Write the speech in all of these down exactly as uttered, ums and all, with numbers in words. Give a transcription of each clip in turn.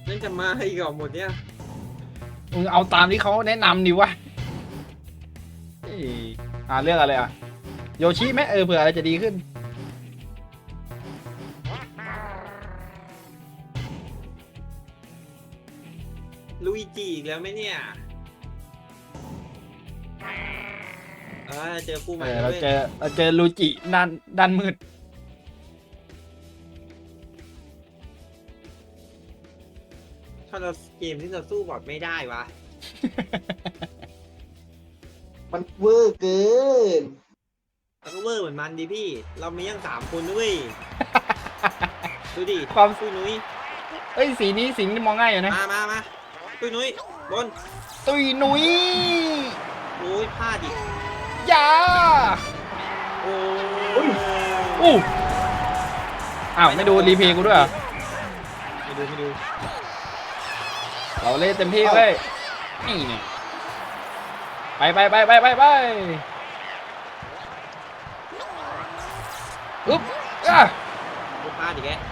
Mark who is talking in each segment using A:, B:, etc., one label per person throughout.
A: นั่นจะมาอีกเหรอหมดเนี่ย
B: มึงเอาตามที่เขาแนะนำดิวะเอ้ยอ่าเลือกอะไรอ่ะโยชิไหมเออเผื่ออะไรจะดีขึ้น
A: ลุยจีอีกแล้วไหมเนี่ยเออเจอคู่ให
B: เอ
A: ม่
B: อ
A: แล้ว
B: เรา
A: เว้ย
B: เจอเราเจอลูจิด้านด้านมืด
A: ถ้าเราเกมที่เราสู้บอทไม่ได้วะ
C: มันเวอร์เกิน
A: เราก็เวอร์เหมือนมันดิพี่ เรามียังสามคนด้วย ดูดิ
B: ความ
A: คุยนุ้ย
B: เอ้ยสีนี้สีนี้มองง่ายอยู่นะ
A: มามามาคุยนุ้ยบน
B: ตุยหนุย
A: โอ้ยพลาดอีก
B: ยา
A: โอ้ย
B: อู้อ้าวไม่ดูรีเพย์กูด้วยเหรอ
A: ไม่ดูไม่ดู
B: เราเล่นเต็มที่เลยนี่เนี่ยไปไปไปไปไปไปอึ๊บอ่ะ
A: พลาดอีกแก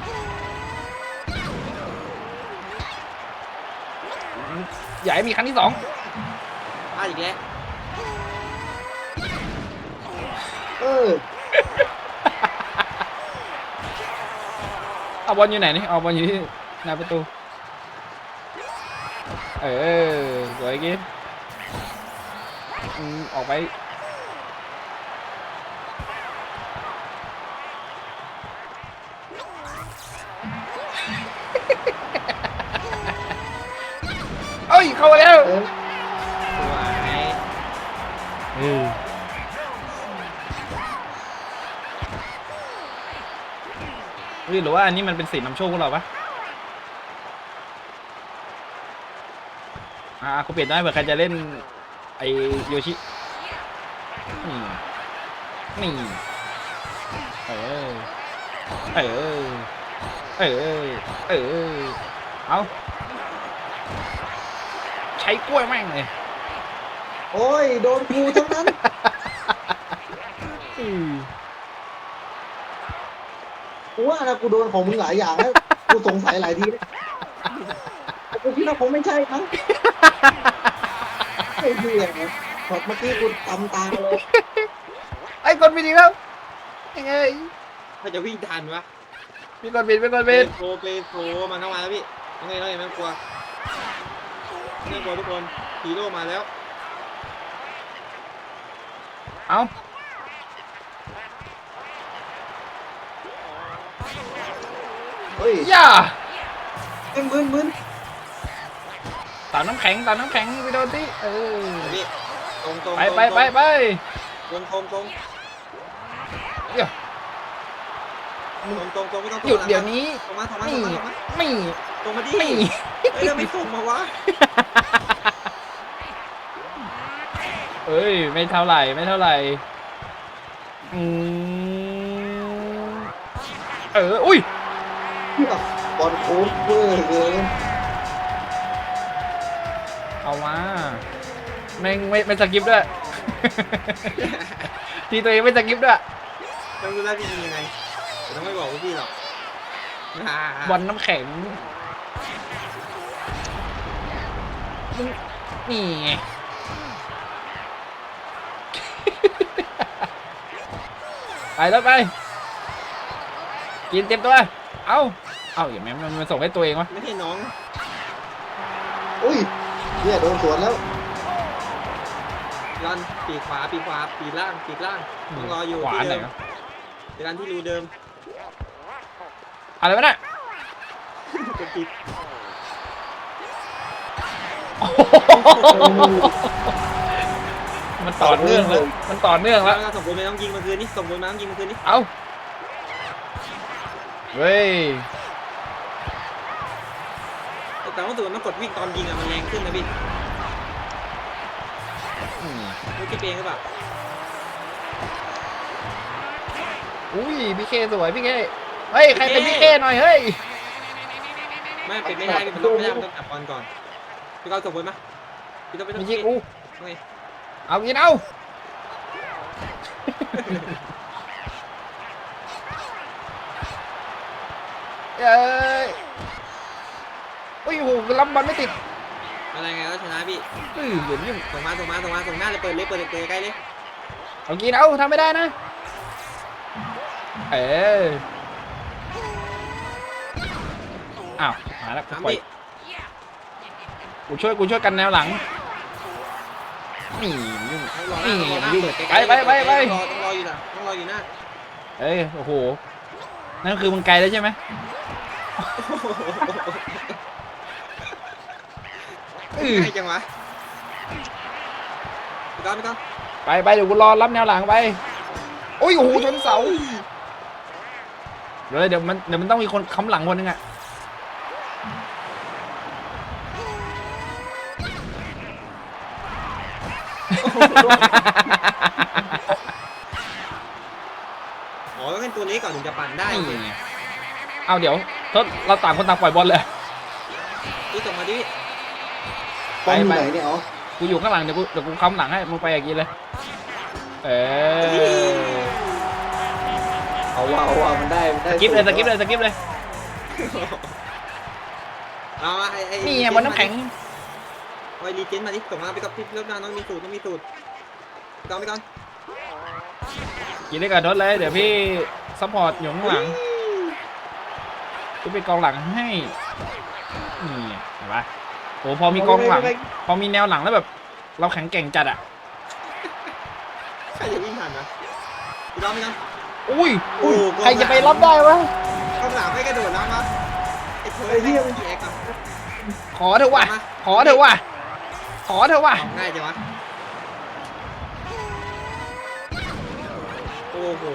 B: อย่าให้มีครั้งที่สอง
A: พลาดอีกแล้ว
C: เออ
B: เอาบอลอยู่ไหนนี่เอาบอลอยู่ที่หน้าประตูเออสวยกิ๊อืมออกไปเอ้ยเข้ามาแล้ว
C: เออ
A: สวย
B: เออเฮ้ยหรือว่าอันนี้มันเป็นสีนำโชคพวกเราปะอ่ากูเปลี่ยนได้เผื่อใครจะเล่นไอโยชินี่นี่เออเออเออเออเอาใช้กล้วยแม่งเลย
C: โอ้ย โดนกูทั้งนั้น
B: อืม
C: กูว่านะกูโดนของมึงหลายอย่างแล้ว กูสงสัยหลายทีแล้วแต่กูคิดว่าคงไม่ใช่มั้งไอ้เหี้ยพอเมื่อกี้กูตำตาเลย
B: ไอ้คนบินอีกแล้วยังไง
A: ถ้าจะวิ่งทันวะ
B: มีคนบินมีคน
A: เป
B: บิน
A: โทรเปโทรมันเข้ามาแล้วพี่ยังไงยังไงไม่ต้องกลัวไม่ต้องกลัวทุกคนฮีโร่มาแล้ว
B: เอา
C: เฮ้ย
B: ย่า
C: เอ็งมึนมึน
B: ตามน้ำแข็งตามน้ำแข็งไปโดนที่เออ
A: พี่ตรงตรง
B: ไปไปไปไป
A: ตรงตรงตรง
B: เดี๋ยว
A: ตรงตรงตรงไม่ต้อง
B: หยุดเดี๋ยวนี้
A: ตรงมาตรงมาตร
B: นี่
A: งมาตรงมา
B: ไม่
A: ตรงมาดิ
B: ไม่
A: เฮ้ยเราไม่ส่งมาวะ
B: เอ้ยไม่เท่าไหร่ไม่เท่าไหร่อืมเอออุ้ย
C: เหี้ยบอลโค้งเวอร์เกิน
B: เอามาไม่ไม่ไม่สกิปด้วย ทีตัวเองไม่สกิปด้วย
A: ต้องรู้แล้วพี่ยิงยังไงแต่ต้องไม่บอกพวกพี่หรอก
B: บอลน้ำแข็งมึงนี่ไง ไปแล้วไปกินเต็มตัวเอาเอาอย่างแม่มันส่งให้ตัวเองวะ
A: ไม่ใช่น้อง
C: อุ้ยเนี่ยโดนสวนแล้ว
A: รันปีกขวาปีกขวาปีกล่างปีกล่างต้องรออยู่
B: ขวา
A: ที่
B: ไหน
A: เดิม
B: วะ
A: รันที่รูเดิม
B: อะไรวะเนี่ย
A: กดปิด
B: มันต่อเนื่องแล้วมันต่อเนื่อง
A: แล้
B: แล้ว ว
A: ส่งบอลมาต้องยิงเมื่อคืนนี้ส่งบอลมาต้องยิงเมื่อคืนนี้
B: เอาเว้ย
A: แต่ว่าตัวมันกดวิ่งตอนยิงอะมันแรงขึ้นนะพี่
B: อืม
A: ไม่คิดเองหรือเปล่า
B: อุ้ยพี่เคสวยพี่เคเฮ้ยใครเป็นพี่เคหน่อยเฮ้ย
A: ไม่เป็นไม่ได้เป็นต้องไม่ได้มันต้องจับบอลก่อนพี่เขาส่งบอลมาพี่ต้องไปต้อ
B: มี
A: ง
B: ยิงกู
A: โอเค
B: เอากินเอาเอ้ยอุ้ยโอ้โหรับบอลไม่ติด
A: อะไรไงก็ชนะพี่
B: เฮ้ยเดี๋ยวนี้
A: ส่งมาส่งมาส่งมาส่งหน้าเลยเปิดเลยเปิดเลยเปิดใกล้เลย
B: เอากินเอาทำไม่ได้นะเอออ้าวมาแล้วกู
A: สาม
B: ปล่อย
A: พี่
B: กูช่วยกูช่วยกันแนวหลังนี่ยุ่ง
A: รอหน้ารอหน้า
B: ยุ่ง
A: เปิดใกล้ๆ
B: ไปไปไปไป
A: ต้องรอต้องรออยู่นะต้องรออยู่หน้า
B: เอ้ยโอ้โหนั่นคือมึงไกลแล้วใช่ไหมเออ
A: ใกล้จังวะไปก่อนไปก่อน
B: ไปไปเดี๋ยวกูรอรับแนวหลังไปโอ้ยโอ้โหชนเสาเดี๋ยวเดี๋ยวมันเดี๋ยวมันต้องมีคนค้ำหลังคนนึงอะ
A: อ๋อต้องเป็นตัวนี้ก่อนถึงจะปั่นได้
B: นี่เอาเดี๋ยวทศเราต่างคนต่างปล่อยบอลเลย
A: พี่ส่งมาดิ
C: ป้อมอยู่ไหนเนี่ยอ๋อ
B: กูอยู่ข้างหลังเดี๋ยวกูเดี๋ยวกูค้ำหลังให้มึงไปอย่างนี้เลย เออ
C: เอาว่าเอาว่ามันได้มันได้
B: สกิปเลยสกิปเลยสกิปเลย
A: เอามาไอ้ไอ้
B: นี่ไงบอลน้ำแข็ง
A: ไอ้รีเจนมาดิส่งมาไปกับพี่เลิฟนาน้องมีสูตรต้องมีสูตรไปก่อนไปก่อน
B: กินได้กับทศเลยเดี๋ยวพี่ซัพพอร์ตอยู่ข้างหลังกูเป็นกองหลังให้นี่เห็นปะโอ้พอมีกองหลังพอมีแนวหลังแล้วแบบ เราแข็งแกร่งจัดอ่ะ
A: ใครจะวิ่งทันนะไปก่อนไปก่อน
B: อุ้ย
A: โอ้โห
B: ใครจะไปรับได้วะ
A: กองหลังไม่กระโดดแล้วมั้งไอ้เธอ
C: ไอ้เหี้ย
A: พี่เอ็กซ์อะ
B: ขอเถอะว่ะขอเถอะว่ะขอเถอะว่ะ
A: เอาง่ายจังวะโอ้โห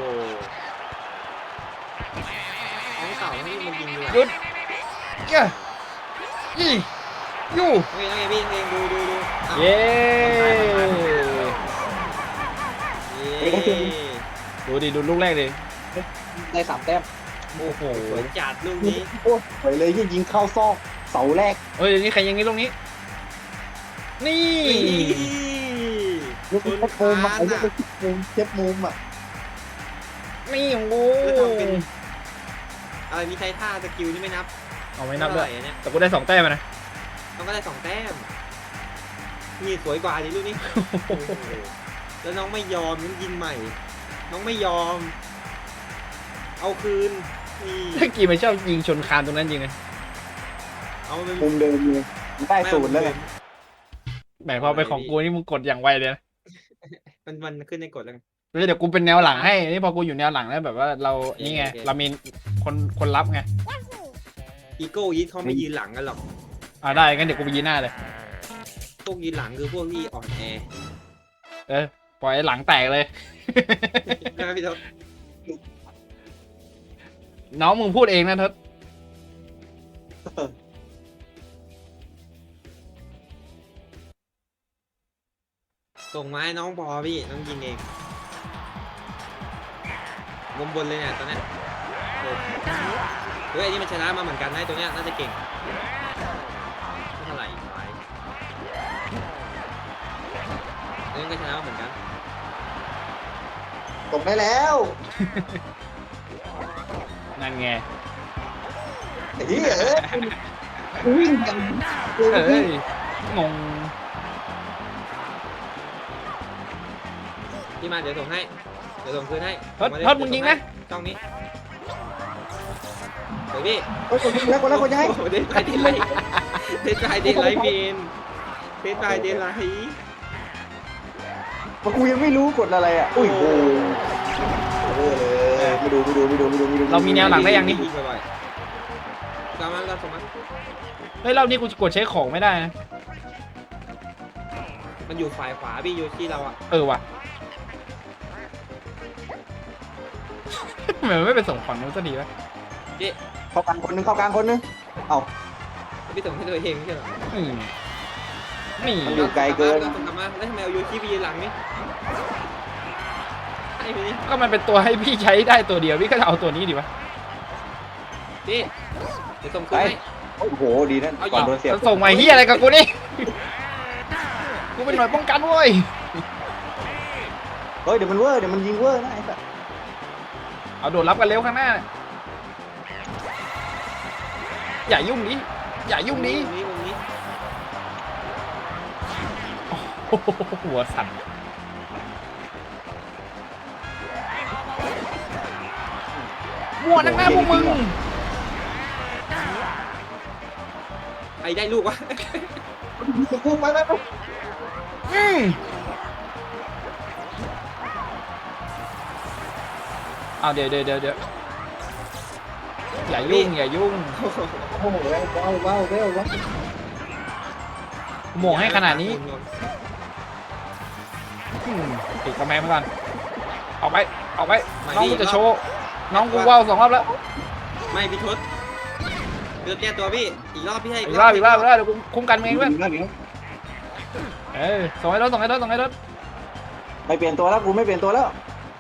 A: ของเก่านี่มันยิงเลย
B: หยุดเย้ยี่ยู่
A: โอเคโอเคพี่เองดูดูดูอ้าว
B: เย้
A: เย้
B: ดูดิดูลูกแรกดิ
C: ได้สามแต้ม
A: โอ้โหสวยจัดลูกนี้
C: โอ้สวยเลยยิ่งยิงเข้าซอกเสาแรก
B: เฮ้ยเดี๋ยวนี้ใครยิงนี้ลูกนี้ นี่
C: ลูกนี้เช็ดมุมอ่ะไอ้เรื่องเช็ดมุมเช็ดมุมอ่ะ
B: นี่โอ้โห
A: แล้วทำเป็นอะไรมีใช้ท่าสกิลนี่ไม่นับ
B: เอาไม่นับด้วย
A: เท่าไหร่เนี่ย
B: แต่กูได้สองแต้มนะ
A: ต้องก็ได้สองแต้มนี่สวยกว่าดิลูกนี้โอ้โหแล้วน้องไม่ยอมน้องยิงใหม่ น้องไม่ยอม เอาคืนนี่
B: ถ้ากีมันชอบยิงชนคานตรงนั้นจริงเลย
A: เอามัน
C: มุมเดิมเลยได้ศูนย์แล้วไง
B: แหมพอไปของกูนี่มึงกดอย่างไวเลยนะ
A: มันมันขึ้นในกฎแล้วไง
B: เดี๋ยวกูเป็นแนวหลังให้ นี่พอกูอยู่แนวหลังแล้วแบบว่าเรา นี่ไง
A: โอเค
B: เรามีคนคนรับไง
A: อีโก้ยีดเขาไม่ยืนหลังกันหรอก
B: อ่าได้งั้นเดี๋ยวกูไปยืนหน้าเลย
A: พวกยืนหลังคือพวกที่อ่อนแอ
B: เออ ปล่อยให้หลังแตกเลย
A: ใช่ไหมพี่ท็อป
B: น้องมึงพูดเองนะทศ
A: ส่งมาให้น้องพอพี่น้องยิงเองมุมบนเลยเนี่ยตอนเนี้ยโอ้เฮ้ยอันนี้มันชนะมาเหมือนกันนะตัวเนี้ยน่าจะเก่งไม่เท่าไหร่ไว้เรื่องก็ชนะมาเหมือนกัน
C: ตกได้แล้ว
B: นั่นไง
C: ไอ้เหี้ยเอ้ยวิ่งกัน
B: เอ้ยงง
A: พี่มาเดี๋ยวส่งให้เดี๋ยวส่งคืนให้
B: ทศทศมึงยิงนะ
A: ช่องนี้เดี๋ยวพี่
C: โอ้ยคนแล้วคนแล้วคนยังไง
A: โอ้โหเดนไปเดนไลท์เดนไปเดนไลท์เมนเดนไปเดนไลท์
C: กูยังไม่รู้กดอะไรอ่ะอุ้ยโอ้เออเลยไม่ดูไม่ดูไม่ดูไม่ดูไม่ดู
B: เรามีแนวหลังได้ยังนี่
A: ยิงบ่อยๆตามมาตามส่งมา
B: เฮ้ยรอบนี้กูกดใช้ของไม่ได้นะ
A: มันอยู่ฝ่ายขวาพี่อยู่ที่เราอะ
B: เออว่ะ ทำไมมันไม่ไปส่งฝั่งนู้นซะดีวะ
A: พี่
C: เข้ากลางคนนึงเข้ากลางคนนึงเอ้า
A: พี่ส่งให้ตัวเองไม่ใช่เหรอ
B: อืมนี่
C: มันอยู่ไกลเกิน
A: ส่งกลับมาแล้วทำไมเอาโยชิไปยืนหลังนี่ไอ้พี่
B: ก็มันเป็นตัวให้พี่ใช้ได้ตัวเดียวพี่ก็จะเอาตัวนี้ดีวะ
A: พี่เดี๋ยวส่งคืนให้
C: โอ้โหดีนั่นก่อนโดนเสียบ
B: ส่งมาเฮียอะไรกับกูนี่กูเป็นหน่วยป้องกันเว้ย
C: เฮ้ยเดี๋ยวมันเวอร์เดี๋ยวมันยิงเวอร์นะไอ้สัส
B: เอาโดดรับกันเร็วข้างหน้า อย่ายุ่งดิอย่ายุ่งนี้
A: มุมนี้มุมนี้
B: โอ้โหหัวสั่นมั่วนักหน้าพวกมึง
A: ไอ้ได้ลูกวะ
C: กูไปไปไป
B: อืมเอาเดี๋ยวเดี๋ยวเดี๋ยวเดี๋ยวอย่ายุ่งอย่ายุ่ง
C: โอ้โหว้าวว้าวว้าวว้าว
B: โมงให้ขนาดนี้อืมปิดกระแมงมาก่อนออกไปออกไปน้องกูจะโชว์น้องกูว่าวสองรอบแล้ว
A: ไม่พี่ทศเดือดแก้ตัวพี่อีกรอบพี่ให้
B: อีกรอบอีกรอบอีกรอบเดี๋ยวกูคุ้มกันเองเพื่อน
C: เดี๋ยว
B: เออส่งให้รถส่งให้รถส่งให้รถ
C: ไม่เปลี่ยนตัวแล้วกูไม่เปลี่ยนตัวแล้ว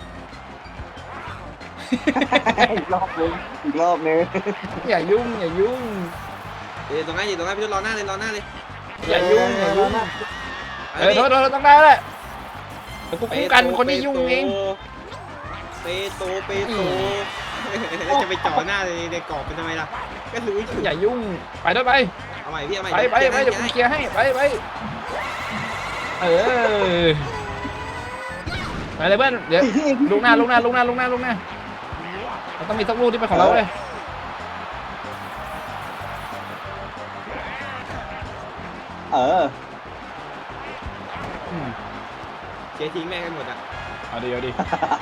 C: อีกรอบนึงอีกรอบนึง
B: อย่ายุ่งอย่ายุ่ง
A: เดี๋ยวตรงนั้นอยู่ตรงนั้นพี่ทศรอหน้าเลยรอหน้าเลย
B: อย่ายุ่งอย่ายุ่ง
C: นะ
B: เออโทษโทษต้องได้แหละเดี๋ยวกูคุ้มกันคนที่ยุ่งเอง
A: เปโตเปโตจะไปจ่อหน้าเลยในกรอบเป็นทำไมล่ะก็รู้อยู่
B: อย่ายุ่งไปด้วยไป
A: เอาใหม่พี่เอาใหม่
B: ไปไปไปเดี๋ยวกูเคลียร์ให้ไปไปเออไปเลยเพื่อนเดี๋ยวลูกหน้าลูกหน้าลูกหน้าลูกหน้าลูกหน้าเราต้องมีสักลูกที่เป็นของเราเลย
C: เออ
B: อืม
A: เชียร์ทิ้งแม่งกันหมดอ่ะ
B: เอาดิเอาดิ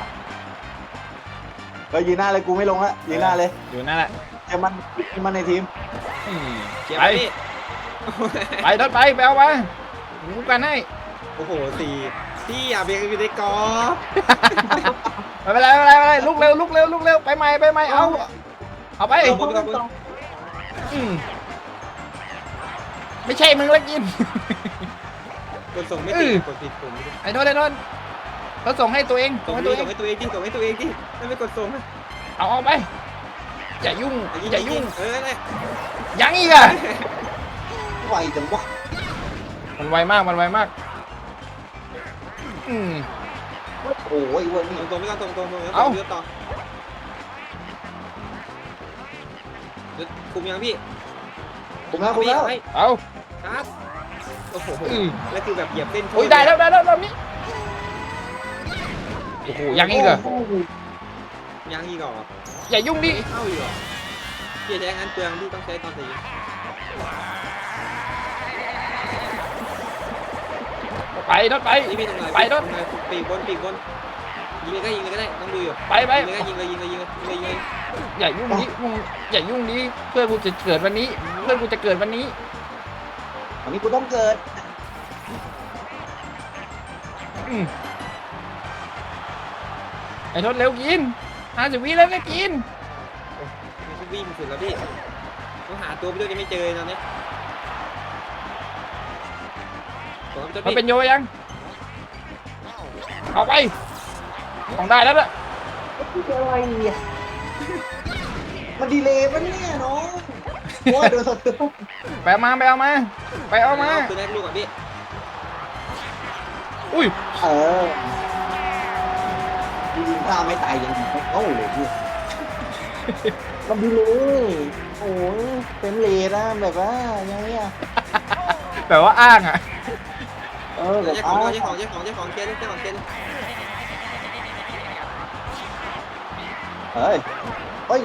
C: ไปยืนหน้าเลยกูไม่ลงละยืนหน้าเลย
B: อยู่นั่นแหละ
C: เจอมันมันในทีม
B: อืม
A: เชียร์
B: ไป
A: ไปพี่
B: ไปรถไปไปเอาไปคุ้มกันให้
A: โอ้โหสี่พี่อย่าเบียดอยู่ในกรอบ
B: ไม่เป็นไรไม่เป็นไรไม่เป็นไรลุกเร็วลุกเร็วลุกเร็วไปใหม่ไปใหม่เอาเอาไป
A: เอาบนเอาบน
B: อืมไม่ใช่มึงแล้วกิน
A: กดส่งไม่ติดกดผิดปุ่ม
B: ไอ้โดนไอ้โดนเขาส่งให้ตัวเองส่
A: ส่
B: ง
A: ง
B: ให้
A: ให้
B: ตั
A: ตัว ว
B: เอ
A: เอง งส่งให้ตัวเองที่ส่งให้ตัวเองที่ถ้าไม่กดส่งนะ
B: เอาเอาไปอย่ายุ่งอย่ายุ่ง
A: เออเนี่ย
B: ยังอีกอ่ะ
C: ไหวจังวะ
B: มันไวมากมันไวมากอืม
C: โอ้ยวันนี้
A: ตรงตรงไม่ต้องตรงตรงตรง
B: เอ้า
A: เลือกต่อคุมยังพี่
C: ผมแล้วผมแล้ว
B: เอา
A: ครับโอ้โห
B: อืม
A: แล้วคือแบบเหยียบเส้น
B: โอ้ยได้แล้วได้แล้วรอบนี้โอ้โหยังอีกเหรอ
A: ยังอีกเหรอ
B: อย่ายุ่งดิ
A: เข้าอีกเหรอพี่ใช้งานเปลืองพี่ต้องใช้ตอนสี่
B: ไปรถไป
A: นี่พี่ตรงไหน
B: ไปรถ
A: ปีกบนปีกบนยิงเลยก็ยิงเลยก็ได้ต้องดูอยู่
B: ไปไป
A: ยิงเลยก็ยิงเลยยิงเลยยิงเลยยิงเลยยิงเลย
B: อย่ายุ่งดิมึงอย่ายุ่งดิเพื่อนกูจะเกิดวันนี้ เพื่อนกูจะเกิดวันนี้
C: วันนี้กูต้องเกิด
B: อืมไอ้ทศเร็วกินห้าสิบวิแล้วนะกิน
A: พี่วิ่งสุดแล้วพี่ต้องหาตัวพี่ด้วยยังไม่เจอตอนนี้ผมจะ
B: มัน
A: พี่
B: เป็นโยยังเอาไปต้องได้แล้วล่ะ
C: อะไรเนี่ยมันดีเลยปะเนี่ยน้องโอ้ยโดนสะเทือน
B: ไปเอามาไปเอามาไปเอามา
A: คือได้ลูกอ่ะพี่
B: อุ้ย
C: เออยิงข้าไม่ตายยังยิงไม่เข้าเลยพี่มันดีเลยโอ้ยเป็นเลนนะแบบว่ายังไงอ่ะ
B: แบบว่าอ้างอ่ะ
C: เออแบบ
A: เจ้าข
C: อ้า
A: อง
C: ว
A: เจ้าของเจ้าของเจ้าของเจ้าของเจ้าของเจ้า
C: เฮ้ยเฮ้ย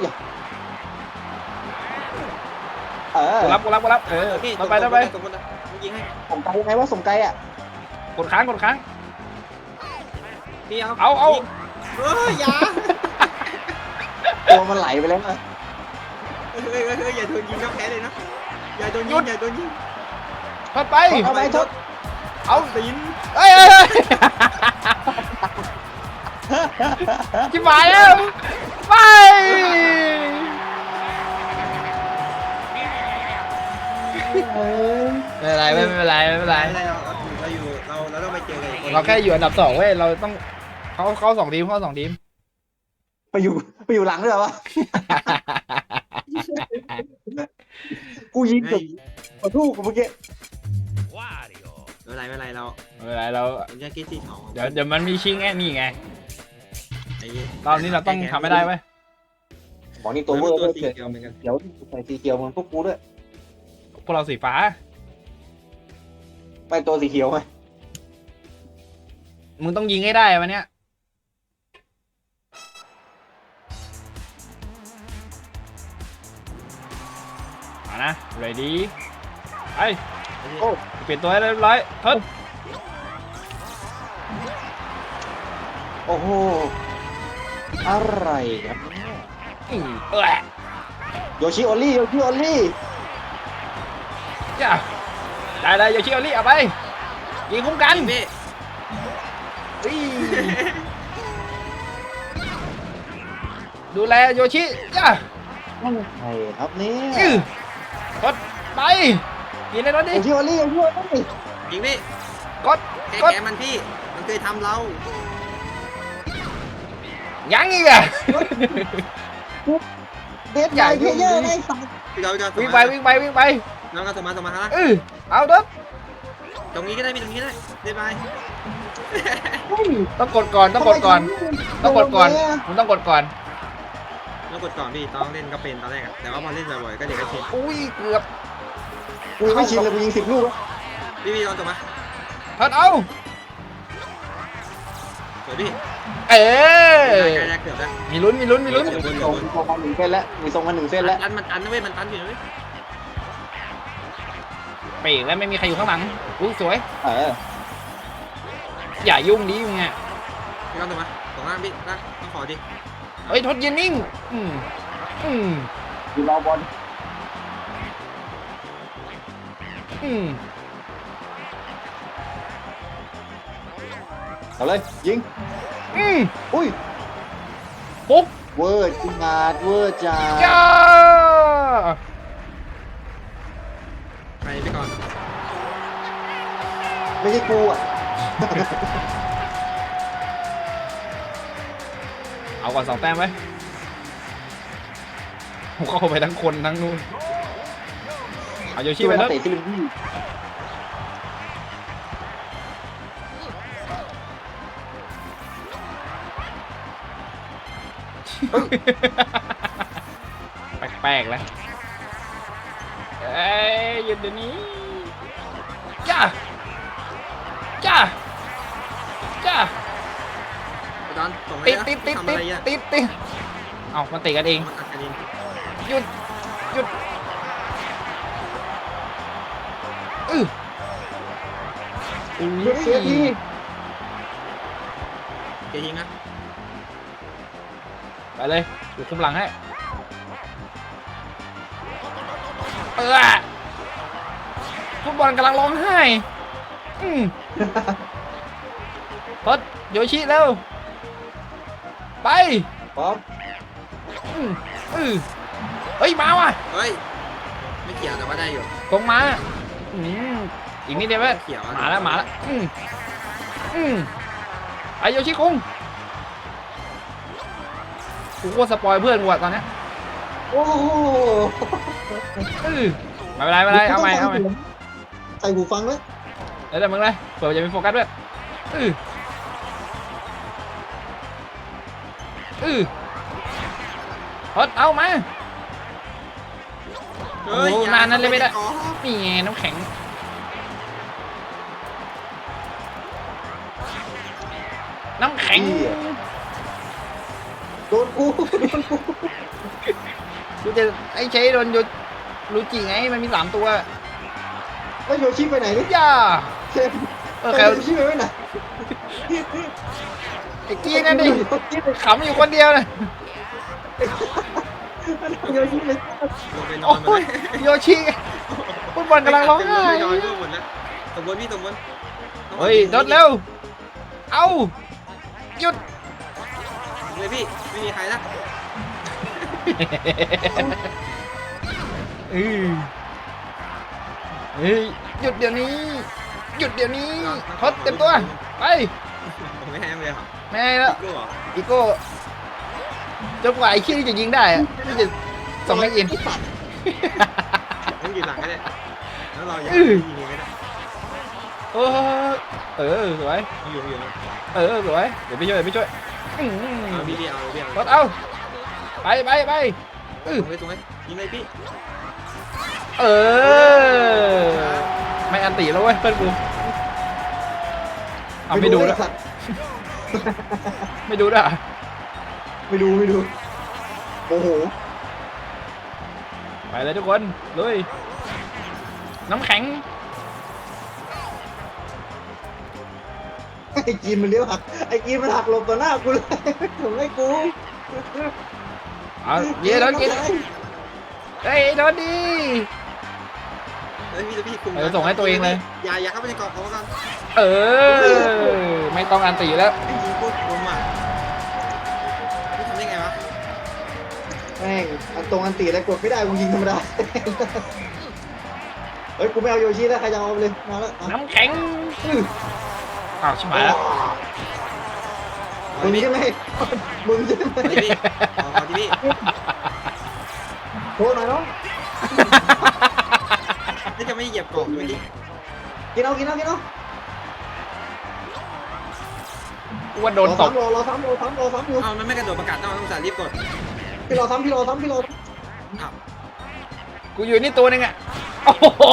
C: เออ
B: กูรับกูรับกูรับเออ
A: พี่
B: ต่อไปต่อไป
A: สมมตินะยิงให้
C: ส่งไกลยังไงว่าส่งไกลอ่ะ
B: กดค้างกดค้าง
A: พี่เอา
B: เอาเอา
A: เฮ้ยอย่า
C: ตัวมันไหลไปแล้วนะ
A: เฮ้ยเฮ้ยเฮ้ยอย่าโดนยิงก็แพ้เลยนะอย่าโดนยิงอย่าโดนยิง
B: ทดไป
C: เอาไปชด
B: เอา
A: ตีน
B: เอ้ยเอ้ยเอ้ยจิบหายแล้วไปไม่เป็นไรไม่เป็นไรไม่เป็นไร
A: ไม่เป็นไรเราเราอยู่เราเราต้องไปเจอกันอีกคน
B: เราแค่อยู่อันดับสองเว้ยเราต้องเขาเขาสองทีมเขาสองทีม
C: ไปอยู่ไปอยู่หลังด้วยเหรอวะกูยิง
A: ไม่
C: กับขอทูกเมื่อกี้
A: ไม่เป็นไรไม่เป็นไรเรา
B: ไม่เป็นไรเรา
A: ผมจะคิดที่สอง
B: เดี๋ยวเดี๋ยวมันมีชิงแง่นี่ไง
A: ไอ้
B: รอบนี้เราต้องทำไม่ได้เว้ย
C: บอกนี่
A: ตั
C: ตัว วเวอร์
A: ตัว
C: ด้วย
A: สี
C: เกิด
A: เขียวเหมือนกัน
C: เดี๋ยวใส่สีเขียวมันพวกกูด้วย
B: พวกเราสีฟ้า
C: ไปตัวสีเขียวไหม
B: มึงต้องยิงให้ได้วันเนี้ยมานะ ready ไป
C: โอ้
B: เปลี่ยนตัวให้เรียบร้อยทด
C: โอ้โหอะไรครับเนี่ย
B: อือเออ
C: โยชิโอลี่โยชิโอลี่
B: จ้าได้เลยโยชิโอริเอาไปยิงคุ้มกัน
A: พี่
B: อีดูแลโยชิจ้า
C: นั่นใครครับเนี่ย
B: อื้อ กดไปยิงเลยรถดิ
C: โยชิโอลี่โยชิโอลี่
A: ยิงพี่
B: กด
A: แก
B: กด
A: แกมันพี่มันเคยทำเรา
B: ยังอีกอะ
C: เด็ดใหญ่เพเยอร์ไอ้สัตว์
A: พี่เราจะ
B: วิ่งไปวิ่งไปวิ่งไป
A: น้องก็สมาสมาฮะ
B: เออเอาเด้อ
A: ตรงนี้ก็ได้พี่ตรงนี้ก็ได้ได้ไหม
C: เฮ้ย
B: ต้องกดก่อนต้องกดก่อนต้องกดก่อนมึงต้องกดก่อน
A: ต้องกดก่อนพี่ต้องเล่นก็เป็นตอนแรกอะแต่ว่าพอเล่นบ่อยๆก็เดี๋ยวก็ชิน
B: อุ้ยเกือบ
C: กูยังไม่ชินเลยกูยิงสิบลูกแล้ว
A: พี่พี่ลองจบมา
B: พัดเอา
A: สวยพี่
B: เออ
A: ใกล้แล้วเกือบแล้ว
B: มีลุ้นมีลุ้นมีลุ้น
C: มีทรงมีทรงมาหนึ่งเส้นแล้วมีทรงมาหนึ่งเส้นแล้ว
A: ตันมันตันนะเว้ยมันตันอยู่นะเว้ย
B: ไปอีกแล้วไม่มีใครอยู่ข้างหลังอุ้ยสวย
C: เออ
B: อย่ายุ่งดิมึงอ่ะ
A: พี่ลองจบมาตรงล่างพี่ล่างต้องขอดิ
B: เฮ้ยทดยืนนิ่งอืมอืม
C: อยู่รอบอล
B: อืม
C: เอาเลยยิง
B: อืม
C: อุ้ย
B: ปุ๊บ
C: เวอร์จริงอาดเวอร์จ้า
B: จ้า
A: ไปไปก่อน
C: ไม่ใช่กูอ่ะ
B: เอาก่อนสองแต้มไว้ผมเข้าไปทั้งคนทั้งนู่นเอาโยชิ
C: ที่
B: ไป
C: เป็นนั
B: แล้
C: ก
B: ว
C: เตะที่ลิมบี้
B: แปลกๆแล้วเอ้ยหยุดเดี๋ยวนี้จ้าจ้าจ้า
A: ไปตอนส่ง
B: ติ
A: ให้
B: ดติดติด
A: ทำ
B: ติ
A: อะไร
B: ด
A: อ่ะ
B: ติดติดเอามันติดกันเอง
A: มันอัดกันเอง
B: หยุดหยุดอือ
C: เลือกเสียที
A: เกยิงนะ
B: ไปเลยอยู่คุมหลังให้เออฟุตบอลกำลังร้องไห้อืมทดโยชิเร็วไป
C: พร้อม
B: อืมอือเฮ้ยมาว่ะ
A: เฮ้ยไม่เกี่ยวแต่ว่าได้อยู่
B: ตรงมาอืมอีกนิดเดียวเว้ย
A: เขียวอะ
B: มาแล้วมาแล้วอืมอืมไอโยชิคุงกูว่าสปอยเพื่อนกูอะตอนเนี้ย
C: โอ้โห
B: อือไม่เป็นไรไม่เป็นไรเอาใหม่เอาใหม่
C: ใส่หูฟังไว้
B: เดี๋ยวเดี๋ยวมึงเลยเผื่อจะมีโฟกัสด้วยอืออือทดเอามา
A: เฮ้ย
B: โอ้
A: อย่
B: นานนั้นเลยไม่ได้
A: อ๋อ
B: นี่ไงน้ำแข็งน้ำแข็ง
C: โดนกูโดนกู
B: กูจะไอ้ใช้โดนโยรูจิไงมันมีสามตัว
C: แล้วโยชิไปไหนเนี่ย
B: ย่า
C: เชฟ
B: เออ
C: โย
B: แคล
C: ชิไปไหน
B: ไอ้กี้นั่นดิขำอยู่คนเดียวเลย
C: โยชิไป
A: ลงไปนอ
B: โอ้
A: นหมด
B: ย
A: เลย
B: โยชิฟุตบอลกำลังร้องไห้
A: ไปนอนร่วมหมดแล้วสมบูรณ์พี่สมบูรณ์
B: เฮ้ยโดดเร็วเอาหยุด
A: เลยพี่ไม่มีใครนะ
B: เออเฮ้ยหยุดเดี๋ยวนี้ หยุดเดี๋ยวนี้ทดเต็มตัวไป
A: ผมไม่ให้เลยเหรอ
B: ไม่ให้แล้ว
A: กูเหรอ
B: อีโก้จนกว่าไอ้ขี้นี่จะยิงได้อะที่จะส่งให้อิน
A: ต้องยืนหลังก็ได้แล้วเราอยาก
B: อื้อ
A: ยิงไม่ได้
B: เออเออสวย
A: อยู่อยู่
B: เออสวยเดี๋ยวพี่ช่วยเดี๋ยวพี่ช่วยอื้อหื
A: เอา
B: อ
A: พี่พี่เอาพี่เอา
B: ทดเอาไปไปไป
A: ตรงเลยตรงเลยยิงเลยพี่
B: เอออันตีแล้วเว้ยเพื่อนกูเอาไม่ดู
C: เล
B: ด้วย
C: สัตว์
B: ไม่ดูด้วย
C: ไม่ดูไม่ดูโอ้โห
B: ไปเลยทุกคนลุยน้ำแข็ง
C: ไอ้กีนมันเลี้ยวหักไอ้กีนมันหักหลบต่อหน้ากูเลยถึงให้กู
B: เอาเย้โดนกินเฮ้ยโดนดี
A: เฮ้ยพี่พี่คุม
B: เออส่งให้ตัวเองเลย
A: อย่าอย่าเข้าไปในกรอบเขากัน
B: เออไม่ต้องอันตีแล้ว
A: ไอ้ยิงโคตรคมอ่ะพี่ทำได้ไงวะ
C: แม่งอันตรงอันตีแล้วกดไม่ได้กูยิงธรรมดาเฮ้ยกูไม่เอาโยชิแล้วใครจะเอาไปเลยมาแล้ว
B: น้ำแข็งอ้าวชิบหายแล้ว
C: มึงใช่ไหมมึงใช่ไหม
A: ขอที่พี่ขอขอที่พี่
C: โทษหน่อยน้อง
A: นี่จะไม่เหยียบกรอบเลยดิ
C: กินเอากินเอากินเอา
B: กูว่าโดนตบ
C: รอรอซ้ำรอซ้ำรอซ้ำอยู่
A: เอามันไม่กระโดดประกาศต้องต้องสารีบกด
C: พี่รอซ้ำพี่รอซ้ำพี่รอ
A: อ้าว
B: กูอยู่นี่ตัวหนึงอ่ะโอ้โห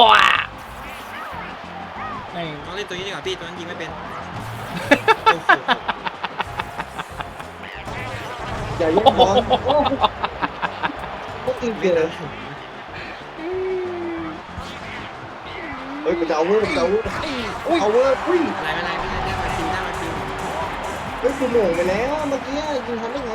B: ไอ้
A: ต้องเล่นตัวนี้ดีกว่าพี่ตัวนั้นยิงไม่เป็น
C: อย่าแย่งบอลโอ้พวกอิงเกอร์เฮ้ยกูจะเอาเวอร์กูจะเอาเวอร์เอาเวอร์อุ้ย
A: อะไรไม่ไรไม่ไรได้มาคิวได้มาคิว
C: เฮ้ยกูโหม่งไปแล้วเมื่อกี้ยิงทันได้ไง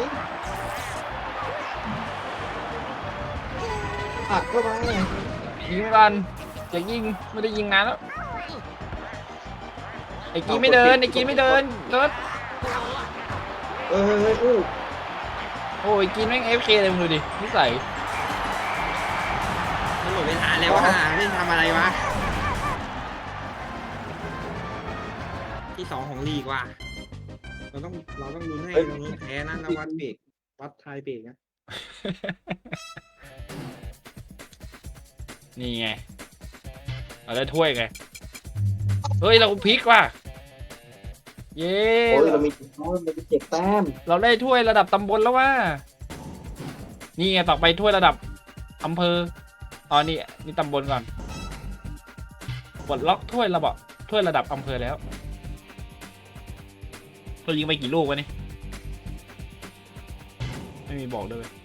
C: อัดเข้าไป
B: ยิงก่อนอยากยิงไม่ได้ยิงนานแล้วไอ้กีไม่เดินไอ้กีไม่เดินเดิน
C: เออเฮ้ยอู้
B: โอ้ยกีแม่งเอฟเคเลยมึงดูดินิสัย
A: มันหมดเวลาแล้วว่าไม่ทำอะไรวะที่สองของลีกว่ะเราต้องเราต้องลุ้นให้เราลุ้นแพ้นะแล้ววัดเบรกวัดทายเบรกนะ
B: นี่ไงเราได้ถ้วยไงเฮ้ยเราพลิกว่ะเย้
C: โอ้ยเรามีโอ้ยมันมีเจ็ดแต้ม
B: เราได้ถ้วยระดับตำบลแล้วว่านี่ไงต่อไปถ้วยระดับอำเภออ๋อนี่นี่ตำบลก่อนปลดล็อกถ้วยระดับถ้วยระดับอำเภอแล้วเรายิงไปกี่ลูกวะนี่ไม่มีบอกเลย